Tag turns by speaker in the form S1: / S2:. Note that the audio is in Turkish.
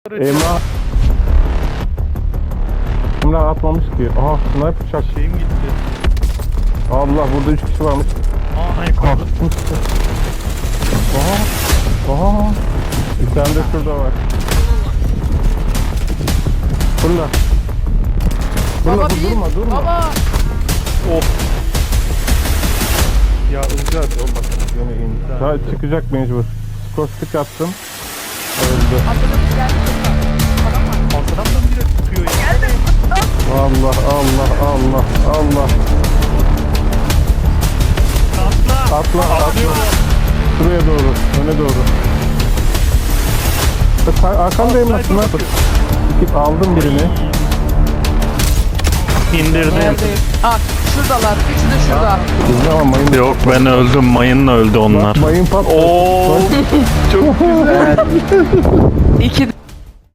S1: Emrah. Emrah atmamış ki. Aha sniper çak.
S2: Şeyim gitti.
S1: Allah burada 3 kişi varmış.
S2: Aa yukarıda.
S1: Aha. Bir tane de şurada var. Fırla.
S3: Baba
S1: Fırla,
S3: bir.
S1: durma.
S3: Baba.
S2: Of. Ya Ilgaz olmaz.
S1: Yine in. Daha çıkacak mecbur. Skor stick attım. Öldü.
S3: Atladım geldi. Adam var.
S2: Arkadan da biri tutuyor ya.
S3: Geldi.
S1: Allah.
S2: Atla.
S1: Atla. Şuraya doğru. Öne doğru. Arkandayım
S2: Sniper
S1: aslında.
S2: bakıyor.
S1: Aldım birini.
S2: İndirdim.
S3: Neredeyim? Ah şuradalar. Üçü de şurada.
S1: Güzel ama mayın.
S2: Yok ben öldüm. Mayınla öldü onlar.
S1: Mayın patladı.
S2: Oo. Çok güzel.
S3: İki